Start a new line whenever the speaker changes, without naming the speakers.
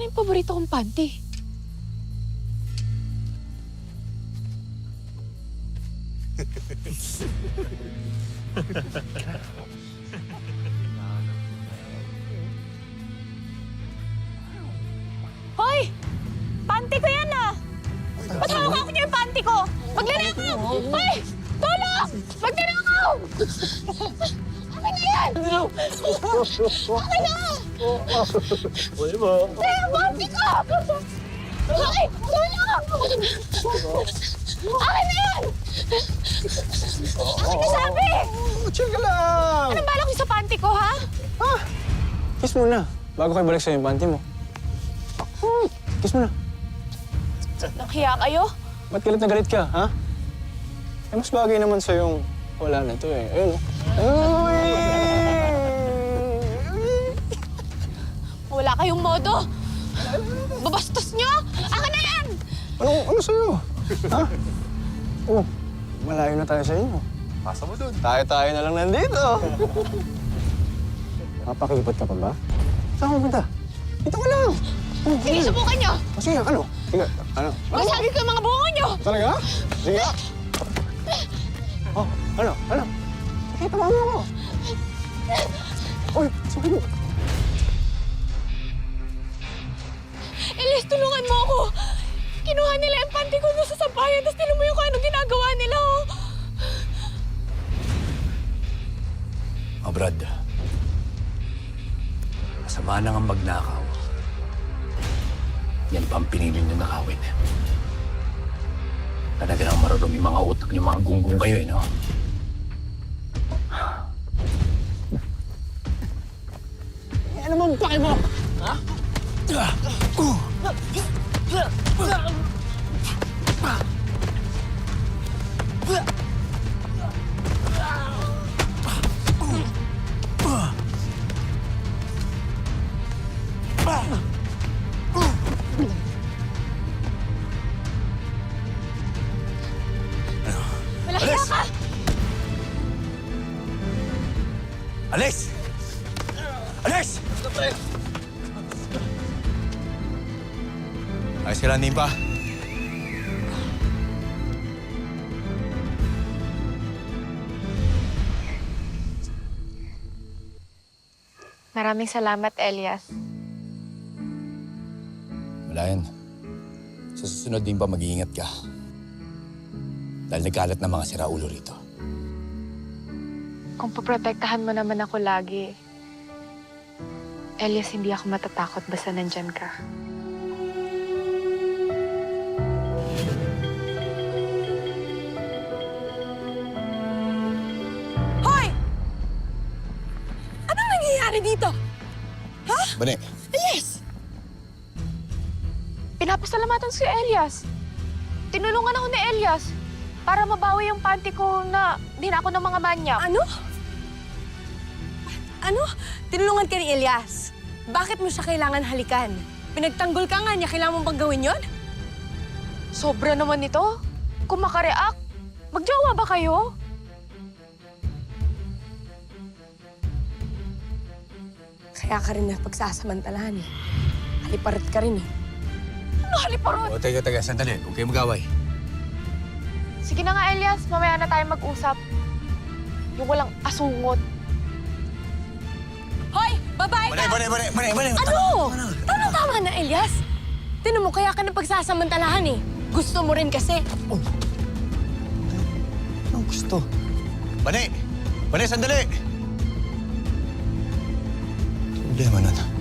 Sana yung paborito kong panty. Hoy! Panty ko yan ah! Ba't hawak niyo yung panty ko? Magnanakaw! Hoy! Tulong! Magnanakaw! Akin na yan! Akin na!
Uy mo.
Eh, panty ko! Hoy! Tulong! Akin na yan! Akin na sabi!
Chill ka lang!
Anong balak niyo sa panty ko, ha?
Kiss muna. Bago kayo balik sa'yo yung panty mo. Kiss muna.
Nakiya kayo?
Ba't galit na galit ka, ha? Eh, mas bagay naman sa'yong wala na to eh. Ayun, oh.
Wala kayong modo. Babastos niyo! Akin na yan!
Ano sa'yo? Ha? Oh, malayo na tayo sa inyo.
Pasa mo dun.
Tayo-tayo na lang nandito. Mapakilipot ka pa ba? Saan ka pumunta? Dito ka lang.
Sige, subukan niyo!
Sige, ano? Sige, ano?
Masagi ko yung mga bungo niyo!
Talaga? Sige. Oh, ano? Sige, tama mo ako. Uy, sige mo.
Elias, tulungan mo ako! Kinuha nila yung panty ko doon sa sampayan, tapos tinan mo yung kung anong ginagawa nila, oh!
Oh, Brad. Masama na nga magnakaw. Yan pa ang pinili niyo nakawin. Talaga nang marurumi mga utak niyo, mga gunggong kayo, eh, no?
Ano bang pake mo? Ha?
Malaya ka!
Alex! Alex! Ayos ka lang, Nimpa.
Maraming salamat, Elias.
Wala yan. Sa susunod din pa, mag-iingat ka. Dahil nagkalat na mga siraulo rito.
Kung poprotektahan mo naman ako lagi, Elias, hindi ako matatakot basta nandyan ka. Hoy! Anong nangyayari dito?
Bane,
Elias! Pinapasalamatan si Elias. Tinulungan ako ni Elias para mabawi yung panty ko na dinako ng mga manyak.
Ano? Tinulungan ka ni Elias. Bakit mo siya kailangan halikan? Pinagtanggol ka nga niya, kailangan mong bang gawin yun?
Sobra naman nito. Kung makareact, magjowa ba kayo?
Kaya ka rin napagsasamantalahan eh. Haliparit ka rin eh.
Ano haliparot?
o taga, sandali. Huwag kayo mag-away.
Sige na nga, Elias. Mamaya na tayo mag-usap. Yung walang asungot.
Hoy! Babae ka!
Bane!
Ano? Tama na, Elias. Tinan mo, kaya ka napagsasamantalahan eh. Gusto mo rin kasi.
Anong gusto?
Bane, sandali! Problema nun.